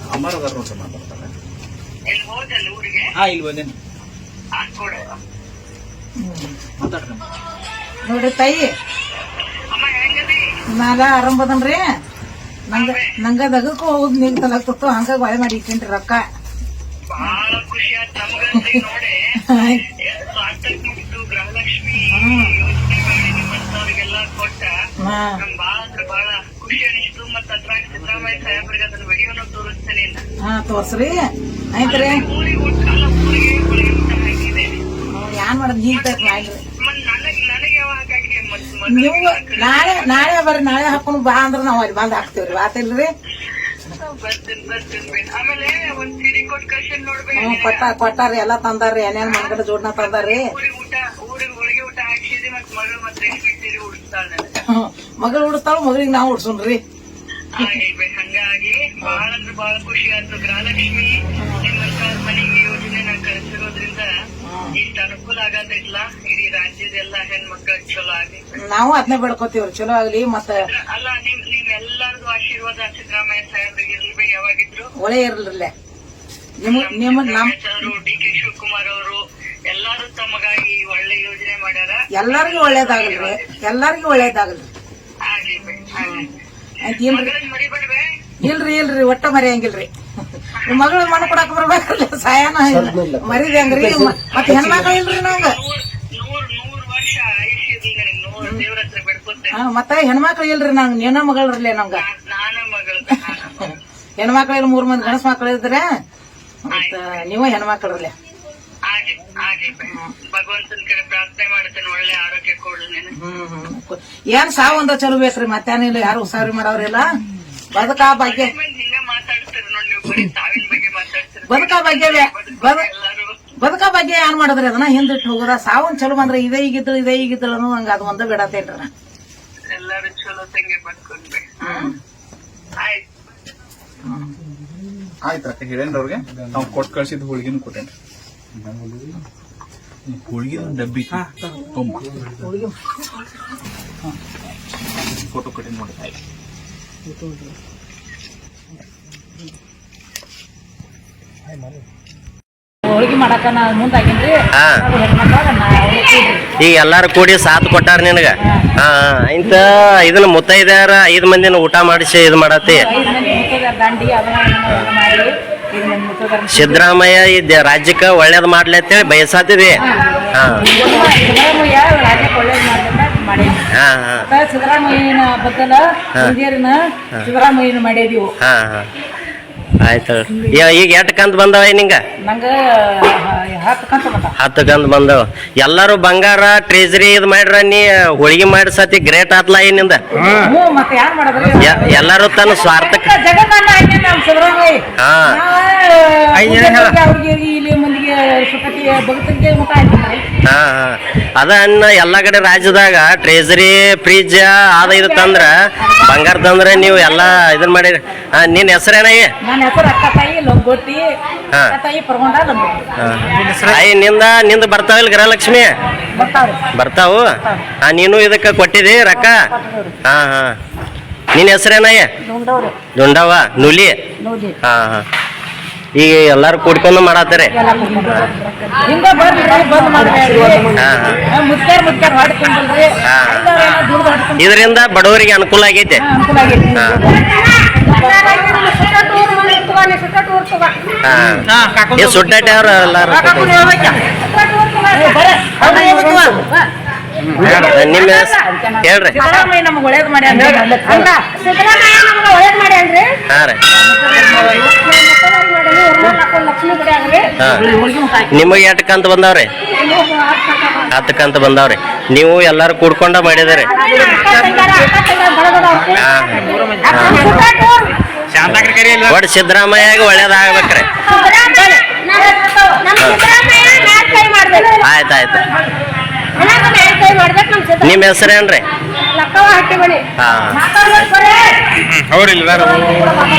ಅಮ್ಮಾರ ನೋಡ್ರಿ ಮಾತಾಡ್ತಾರೆ. ಇಲ್ಲಿ ಬಂದೇನಿ ಮಾತಾಡ್ರಿ. ನೋಡ್ರಿ ತಾಯಿ, ನಾಗ ಆರಂಭದನ್ರಿ ನಂಗ ದಗಕ್ಕೂ ಹೋಗುದ್ ನಿಂಗ್ ತಲಗ್ತಿತ್ತು, ಹಂಗ ಬಾಳೆ ಮಾಡಿ ಇಟ್ಟೇನ್ರಿ ರೊಕ್ಕ. ಬಹಳ ಖುಷಿ ಆಯ್ತು ನಮಗಂತೂ ನೋಡಿ. ಗೃಹಲಕ್ಷ್ಮಿ ಯೋಜನೆ ಮಾಡಿ ನಿಮ್ಮಂತವ್ರಿಗೆಲ್ಲ ಕೊಟ್ಟ ನಮ್ ಬಹಳ ಅಂದ್ರೆ ಬಹಳ ಖುಷಿ ಅನಿಸ್ತು. ಮತ್ತ ಅದ್ರಾಗ ಸಿದ್ದರಾಮಯ್ಯ ಸಾಹೇಬ್ರಿಗೆ ಅದನ್ನ ವಿಡಿಯೋನು ತೋರಿಸ್ತೇನೆ. ತೋರ್ಸ್ರಿ ಆಯ್ತ್ರಿ. ಊರಿಗೆ ಊಟ ಊರಿಗೆ ಊಟ ಹಾಕಿದೆ. ಯಾನ್ ಮಾಡೋದ್ ನೀರ್ ತಕ್ ಮಾಡ್ರಿ. ನನಗೆ ಯಾವಾಗ ನೀವು ನಾಳೆ ಬರ್ರಿ, ನಾಳೆ ಹಾಕೊಂಡು ಬಾ ಅಂದ್ರ ನಾವ್ ಅಲ್ಲಿ ಬಂದ್ ಹಾಕ್ತೇವ್ರಿ. ಆತಿಲ್ರಿ? ಬರ್ತೀನಿ. ಆಮೇಲೆ ಒಂದ್ ಸೀರೆ ಕೊಟ್ಟು ಕಳ್ಸಿ ನೋಡ್ಬೇಕು. ಕೊಟ್ಟಾರಿ, ಎಲ್ಲಾ ತಂದಾರ್ರಿ, ಏನೇನ್ ಮನ್ಗಡೆ ಜೋಡ್ನ ತಂದಾರ್ರಿ. ಊರಿಗೆ ಹೋಳಿಗೆ ಊಟ ಹಾಕ್ಸಿದ್ರಿ. ಮತ್ ಮಗಳು ಮತ್ತೆ ರೇಷ್ಮೆ ಸೀರೆ ಉಡಿಸ್ತಾಳೆ. ಮಗಳು ಉಡಿಸ್ತಾಳ, ಮಗಳಿಗೆ ನಾವ್ ಉಡ್ಸೋಣ್ರಿ. ಹಂಗಾಗಿ ಬಹಳ ಅಂದ್ರೆ ಬಹಳ ಖುಷಿ ಆಯ್ತು. ಗೃಹಲಕ್ಷ್ಮಿ ನಿಮ್ಮಂತ ಮನೆಗೆ ಯೋಜನೆ ಕಳಿಸಿರೋದ್ರಿಂದ ಇಷ್ಟ ಅನುಕೂಲ ಆಗದಿಲ್ಲ. ಇಡೀ ರಾಜ್ಯದೆಲ್ಲ ಹೆಣ್ಮಕ್ಳಿಗೆ ಚಲೋ ಆಗಿ ನಾವು ಅದನ್ನೇ ಬೆಳ್ಕೊತೀವ್ರಿ, ಚಲೋ ಆಗ್ಲಿ. ಮತ್ತ ಅಲ್ಲ ನಿಮ್ಮೆಲ್ಲರದು ಆಶೀರ್ವಾದ ಸಿದ್ದರಾಮಯ್ಯ ಸಾಹೇಬ್ರಿಗೆ ಇರ್ಲಿ. ಯಾವಾಗಿದ್ರು ಒಳ್ಳೆ ಇರ್ಲಿಲ್ಲ ಡಿ ಕೆ ಶಿವಕುಮಾರ್ ಅವರು ಎಲ್ಲಾರು ತಮಗಾಗಿ ಒಳ್ಳೆ ಯೋಜನೆ ಮಾಡ್ಯಾರ. ಎಲ್ಲಾರ್ಗು ಒಳ್ಳೇದಾಗಲ್ರಿ, ಎಲ್ಲಾರ್ಗು ಒಳ್ಳೇದಾಗಲ್ರಿ. ಮರಿಬೇಡ್ವೆ. ಇಲ್ರಿ ಒಟ್ಟ ಮರಿಯಂಗಿಲ್ರಿ. ಮಗಳು ಮನ ಕೊಡಾಕ ಬರ್ಬೇಕ್ರಿ, ಸಾಯನ ಮರಿದಂಗ್ರಿ. ಮತ್ ಹೆಣ್ಮಕ್ಳು ಇಲ್ರಿ ನಾವ್. 100 ವರ್ಷ ಆಯುಷ್ಯ ದೇವ್ರ ಹತ್ರ ಬೆಡ್ಕೊತೇನೆ. ಮತ್ತ ಹೆಣ್ಮಕ್ಳು ಇಲ್ರಿ, ನಂಗ್ ನೀನ ಮಗಳ್ರಲ್ಲೇ ನಮ್ಗ. ನಾನು ಮಗಳು ಹೆಣ್ಮಕ್ಳು 3 ಮಂದಿ ಗಣಸ್ ಮಕ್ಳು ಇದ್ರೆ ನೀವ ಹೆಣ್ಮಕ್ಳಲ್ಲೇ. ಭಗವಂತನ ಕಡೆ ಪ್ರಾರ್ಥನೆ ಮಾಡ್ತೇನೆ, ಒಳ್ಳೆ ಆರೋಗ್ಯ ಕೊಡ್ಲಿ. ಏನ್ ಸಾವು ಒಂದ ಚಲೋ ಬೇಕ್ರಿ, ಮತ್ತೇನಿಲ್ಲ. ಯಾರು ಉಸಾರಿ ಮಾಡವ್ರಿಲ್ಲ. ಬದುಕಾ ಬಗ್ಗೆ ಹಿಂಗ ಮಾತಾಡ್ತೀರಿ ನೋಡಿ ನೀವು, ಬರೀ ಸಾವಿನ ಬಗ್ಗೆ ಮಾತಾಡ್ತೀರಿ. ಬದುಕಾ ಬಗ್ಗೆ ಏನ್ ಮಾಡಿದ್ರಿ, ಅದನ್ನ ಹಿಂದಿಟ್ಟು ಹೋಗೋದ. ಸಾವನ್ ಚಲೋ ಬಂದ್ರೆ ಇದೇ ಈಗಿದ್ದಳು ಅನ್ನೋ ಹಂಗ ಅದು ಒಂದ ಬಿಡತೇನ್ರಿ. ಎಲ್ಲಾರು ಚಲೋ ತಂಗೆ ಬದ್ಕೊಂಡ್ಬೇಕು. ಆಯ್ತು ಹೇಳೇನ್ರಿ ಅವ್ರಿಗೆ. ನಾವು ಕೊಟ್ಟು ಕಳ್ಸಿದ್ ಹೋಳಿಗೆನು ಕೊಟ್ಟೇನ್ರಿ. ಹೋಳಿಗೆ ಡಬ್ಬಿ ಫೋಟೋ ಕೊಟ್ಟೇನಿ ನೋಡಿ. ಹೋಳಿಗೆ ಮಾಡಾಕ ಮುಂದಾಗಿನ್ರಿ. ಈಗ ಎಲ್ಲಾರು ಕೂಡಿ ಸಾಥ್ ಕೊಟ್ಟಾರ ನಿನಗ. ಇಂತ ಇದನ್ನ ಮುತ್ತೈದ್ಯಾರ 5 ಮಂದಿನ ಊಟ ಮಾಡಿಸಿ ಇದು ಮಾಡತ್ತಿ. ಸಿದ್ದರಾಮಯ್ಯ ಈ ರಾಜ್ಯಕ್ಕ ಒಳ್ಳೇದ್ ಮಾಡ್ಲಿ ಅಂತೇಳಿ ಬಯಸಾತಿದಿ. ಸಿದ್ದರಾಮಯ್ಯನ ಬದಲ ಸಿದ್ದರಾಮಯ್ಯನ ಮಾಡಿದೀವಿ. ಆಯ್ತು. ಈಗ 8 ಕಂತ್ ಬಂದವ ನಿಂಗ? ನಂಗ 10 ಕಂತ್ ಬಂದವ. ಎಲ್ಲಾರು ಬಂಗಾರ ಟ್ರೆಜರಿ ಇದ್ ಮಾಡ್ರ, ನೀ ಹೋಳಿಗೆ ಮಾಡಿ ಸತಿ ಗ್ರೇಟ್ ಆತ್ಲ ಏನಿಂದ. ಎಲ್ಲಾರು ತನ್ನ ಸ್ವಾರ್ಥಕ್ಕೆ ಅದ ಅನ್ನ ಎಲ್ಲಾ ಕಡೆ ರಾಜ್ಯದಾಗ ಟ್ರೆಜರಿ ಫ್ರಿಜ್ ಅದ ಇದು ತಂದ್ರ, ಬಂಗಾರ ತಂದ್ರ ನೀವು ಎಲ್ಲಾ ಇದನ್ ಮಾಡಿರಿ. ನಿನ್ ಹೆಸರೇನಾಗಿ? ನಿಂದ ಬರ್ತಾವಿಲ್ ಗೃಹಲಕ್ಷ್ಮಿ? ಬರ್ತಾವು. ನೀನು ಇದಕ್ಕ ಕೊಟ್ಟಿದಿ ರೊಕ್ಕ? ನಿನ್ ಹೆಸರೇನಾಯ? ದುಂಡವ್ವ ನುಲಿ. ಈಗ ಎಲ್ಲಾರು ಕೂಡ್ಕೊಂಡು ಮಾಡತ್ತಾರೆ. ಇದರಿಂದ ಬಡವರಿಗೆ ಅನುಕೂಲ ಆಗೈತೆ. ಸುಟ್ಟಾಟೆ ಅವ್ರ ಎಲ್ಲಾರು ನಿಮ್ಮ ಹೇಳ್ರಿ. ಹಾ ರೀ. ನಿಮಗೆ 8 ಕಂತ ಬಂದಾವ್ರಿ? 10 ಕಂತ ಬಂದಾವ್ರಿ. ನೀವು ಎಲ್ಲಾರು ಕೂಡ್ಕೊಂಡ ಮಾಡಿದಾರೆ. ಒಟ್ಟು ಸಿದ್ದರಾಮಯ್ಯ ಒಳ್ಳೇದಾಗ್ಬೇಕ್ರಿ. ಆಯ್ತಾಯ್ತು. ನಿಮ್ ಹೆಸರೇನ್ರಿ? ಅವ್ರಿಲ್ಲ